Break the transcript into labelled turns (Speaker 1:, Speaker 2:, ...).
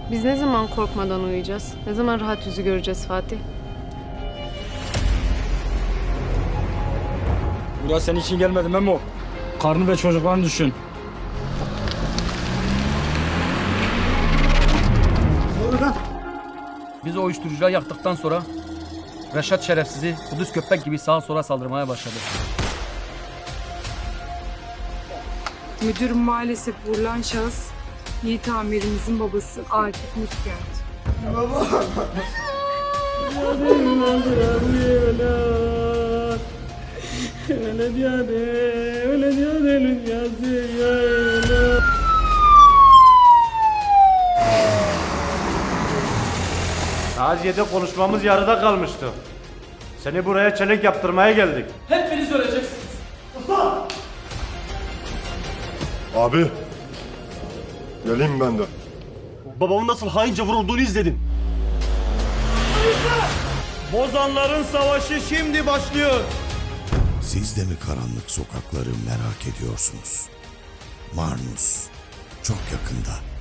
Speaker 1: Biz ne zaman korkmadan uyuyacağız? Ne zaman rahat yüzü göreceğiz Fatih?
Speaker 2: Burası senin için gelmedi Memo. Karnı ve çocuklarını düşün.
Speaker 3: Biz o uyuşturucuları yaktıktan sonra Reşat şerefsizi Kudüs köpek gibi sağa sola saldırmaya başladı.
Speaker 4: Müdürüm maalesef vurulan şahıs Yiğit amirimizin babası Akif Müskent.
Speaker 5: Taziye'de konuşmamız yarıda kalmıştı. Seni buraya çelenk yaptırmaya geldik.
Speaker 3: Hepiniz öleceksiniz.
Speaker 6: Abi. Geleyim ben de.
Speaker 5: Babamın nasıl haince vurulduğunu izledim. Bozanların savaşı şimdi başlıyor.
Speaker 7: Siz de mi karanlık sokakları merak ediyorsunuz? Marnus çok yakında.